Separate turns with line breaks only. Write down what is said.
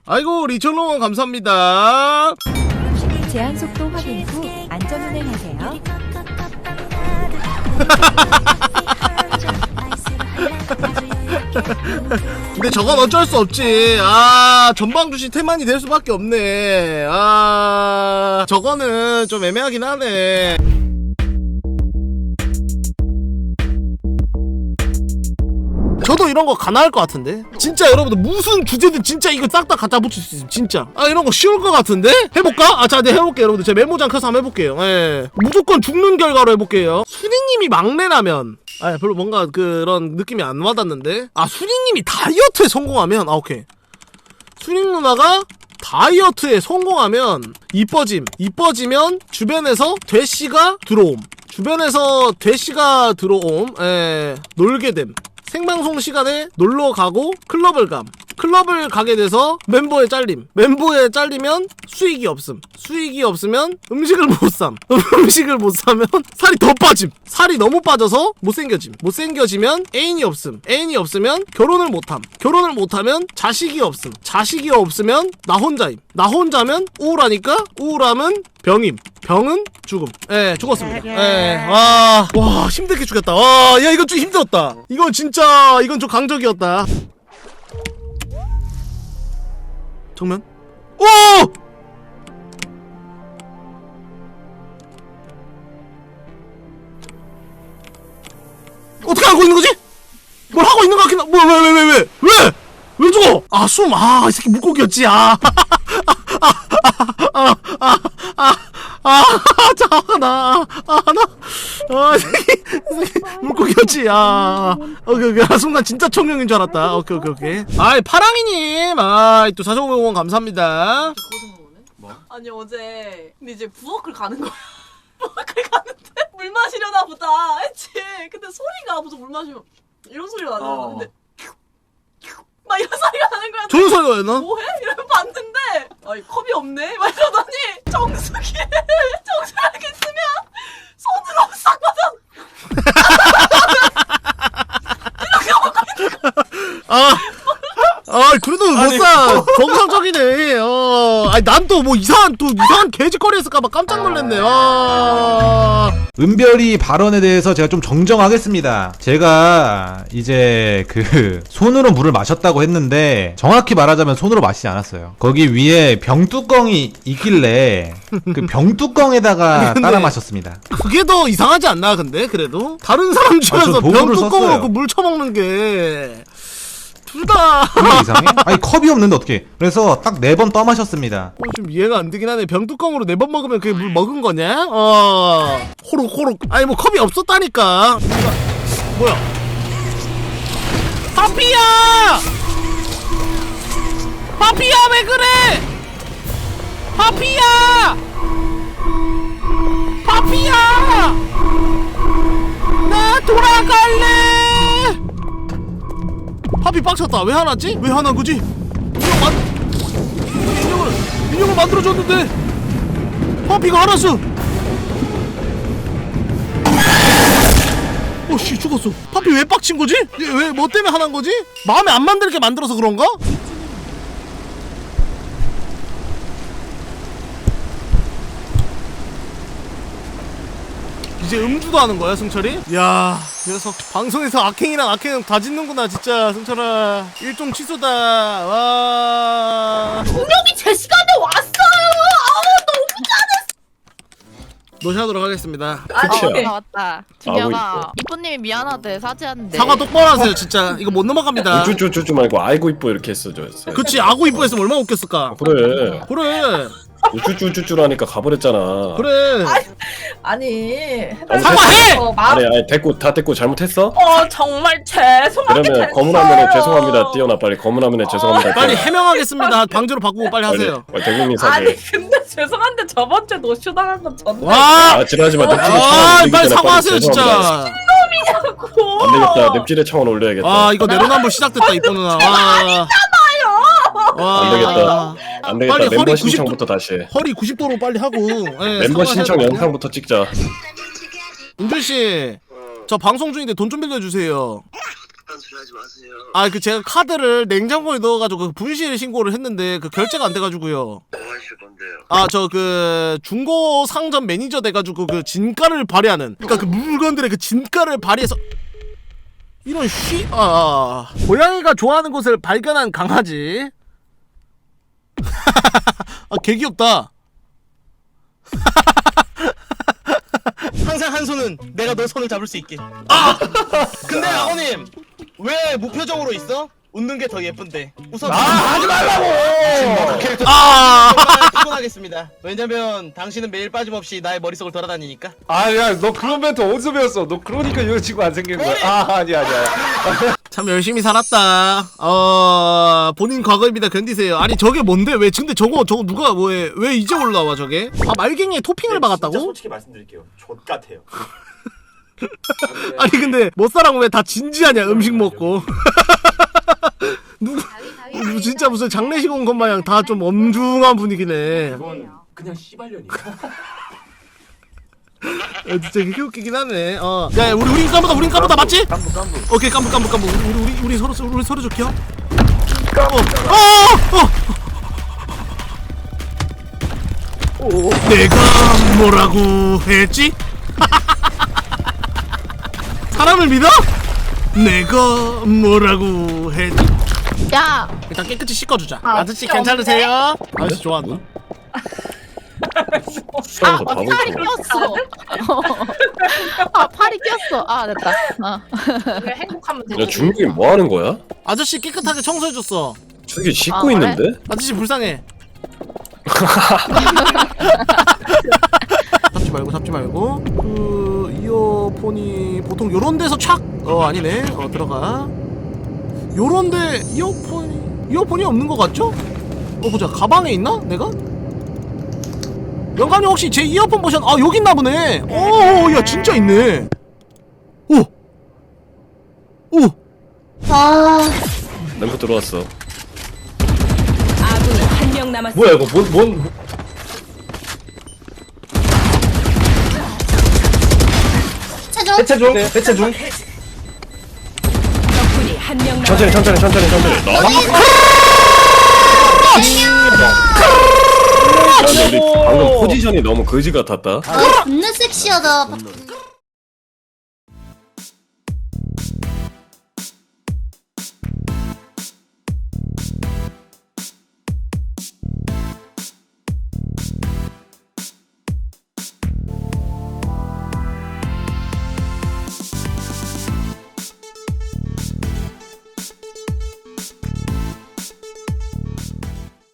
아이고 리철롱원 감사합니다.
제한 속도 확인 후 안전 운행하세요.
근데 저건 어쩔 수 없지. 전방주시 태만이 될 수밖에 없네. 저거는 좀 애매하긴 하네. 저도 이런 거 가능할 것 같은데? 진짜 여러분들 무슨 주제든 진짜 이거 싹 다 갖다 붙일 수 있음 진짜. 이런 거 쉬울 것 같은데? 해볼까? 자, 네, 해볼게요 여러분들. 제 메모장 켜서 한번 해볼게요. 예. 무조건 죽는 결과로 해볼게요. 수리님이 막내라면 별로 뭔가 그런 느낌이 안 와닿는데? 수리님이 다이어트에 성공하면 오케이. 수린 누나가 다이어트에 성공하면 이뻐지면 주변에서 돼씨가 들어옴. 놀게 됨. 생방송 시간에 놀러 가고 클럽을 가게 돼서 멤버에 잘리면 수익이 없으면 음식을 못 사면 살이 더 빠짐. 살이 너무 빠져서 못생겨지면 애인이 없으면 결혼을 못하면 자식이 없으면 나 혼자면 우울하면 병은 죽음. 죽었습니다. 와 힘들게 죽였다. 야 이건 좀 힘들었다. 이건 좀 강적이었다. 정면. 오! 어떻게 알고 있는 거지? 뭘 하고 있는 거 같긴 하. 왜 죽어? 이 새끼 물고기였지. 물고기였지. 오케이. 순간 진짜 청룡인 줄 알았다. 오케이. 파랑이님, 또 4500원 감사합니다.
뭐? 아니 어제 근데 이제 부엌을 가는 거야. 부엌을 가는데 물 마시려나 보다 했지. 근데 소리가 무슨 물 마시면 이런 소리가 나는 거야. 근데 막 이런 소리가 나는 거야.
좋은 소리가 였나?
뭐해? 이러면 봤는데 컵이 없네? 막 이러더니 정수기를 쓰면 손으로 싹 받아 이렇게 먹고 있는 거야.
그래도 못사 정상적이네. 난 또 뭐 이상한 개짓거리 했을까봐 깜짝 놀랐네.
은별이 발언에 대해서 제가 좀 정정하겠습니다. 제가 이제 손으로 물을 마셨다고 했는데 정확히 말하자면 손으로 마시지 않았어요. 거기 위에 병뚜껑이 있길래 그 병뚜껑에다가 따라 마셨습니다.
그게 더 이상하지 않나? 근데 그래도 다른 사람 집에서 병뚜껑으로 물 쳐먹는 게 둘 다
이상해? 컵이 없는데 어떻게? 그래서 딱 4번 떠마셨습니다.
좀 이해가 안 되긴 하네. 병뚜껑으로 4번 먹으면 그게 물 먹은 거냐? 호록. 뭐 컵이 없었다니까. 뭐야? 파피야 왜 그래? 파피야 나 돌아갈래. 파피 빡쳤다. 왜 화났지? 왜 화난 거지? 인형을 만들어줬는데 파피가 화났어. 씨 죽었어. 파피 왜 빡친 거지? 왜 뭐 때문에 화난 거지? 마음에 안 만들게 만들어서 그런가? 이제 음주도 하는 거야 승철이? 야 녀석 방송에서 악행 다 짓는구나 진짜. 승철아 일종 취소다. 와
분명히 제 시간에 왔어요. 너무 잘했어.
노시하도록 하겠습니다.
나왔다. 준혁아, 이쁜님이 미안하대 사죄한대.
사과 똑바로 하세요 진짜. 이거 못 넘어갑니다.
우쭈쭈쭈쭈 말고 아이고 이뻐 이렇게 했어줘요.
그치 아고 이뻐 했으면 얼마나 웃겼을까.
그래 우쭈쭈쭈쭈라니까 가버렸잖아.
그래
아니
사과해!
아니 됐고 잘못했어?
정말 죄송합니다.
그러면 검은 화면에 죄송합니다 띄워놔. 빨리 검은 화면에 죄송합니다
빨리
띄워놔.
해명하겠습니다. 방제로 바꾸고 빨리 하세요.
빨리 대국민 사죄.
근데 죄송한데 저번주에 노쇼 당한 건 전데
와
지랄하지마.
빨리 사과하세요 진짜.
안되겠다. 넵질의 청원 올려야겠다.
이거 내로남불 시작됐다 이뻐 누나.
안되겠다.
빨리
멤버
허리
신청부터 다시 해.
허리 90도로 빨리 하고.
멤버 신청 영상부터 찍자.
은준씨 저 방송 중인데 돈 좀 빌려주세요.
그딴 소리 하지 마세요.
아 그 제가 카드를 냉장고에 넣어가지고 그 분실 신고를 했는데 그 결제가 안 돼가지고요.
뭐 하실 건데요?
아 저 그 중고 상점 매니저 돼가지고 그 진가를 발휘하는, 그러니까 그 물건들의 그 진가를 발휘해서 이런 고양이가 좋아하는 곳을 발견한 강아지. 아 개 귀엽다.
항상 한 손은 내가 너 손을 잡을 수 있게. 근데 아버님 왜 무표정으로 있어? 웃는 게 더 예쁜데. 웃어.
하지 말라고.
정말 피곤하겠습니다. 왜냐면 당신은 매일 빠짐없이 나의 머릿속을 돌아다니니까.
아야 너 그런 멘트 어디서 배웠어? 너 그러니까 이런 친구 안 생긴 거야. 아니야.
참 열심히 살았다. 본인 과거입니다. 견디세요. 아니 저게 뭔데? 왜 근데 저거 누가 왜 이제 올라와 저게? 아 말갱이에 토핑을 박았다고?
진짜 솔직히 말씀드릴게요. 족 같아요.
아니 근데 못사랑 왜 다 진지하냐 음식 먹고. 누구 진짜 무슨 장례식 온 것 마냥 다 좀 엄중한 분위기네.
이건 그냥 씨발년이야.
진짜 이게 웃기긴 하네. 야 우리 까보다 맞지?
깜부.
오케이 깜부. 우리 서로 좋게요. 내가 뭐라고 했지? 사람을 믿어? 내가 뭐라고 했지?
야,
일단 깨끗이 씻어주자. 아저씨 괜찮으세요? 아저씨 좋아한다.
수영에서 다
팔이
먹고.
꼈어. 아, 팔이 꼈어. 아, 됐다.
왜 행복하면 되지?
야 중국인 뭐 하는 거야?
아저씨 깨끗하게 청소해줬어.
저기 씻고
그래?
있는데?
아저씨 불쌍해. 잡지 말고 그 이어폰이 보통 요런 데서 착 아니네. 들어가. 요런데 이어폰이 없는 것 같죠? 보자. 가방에 있나? 내가? 영감님 혹시 제 이어폰 보셨? 여기 있나 보네. 야 진짜 있네. 오.
램프 들어왔어.
아군이 한 명 남았습니다.
뭐야 이거 뭔 해체 중.
적군이 한 명 남았습니다.
천천히. 야, 근데 우리 방금 포지션이 너무 거지 같았다.
존나 섹시하다.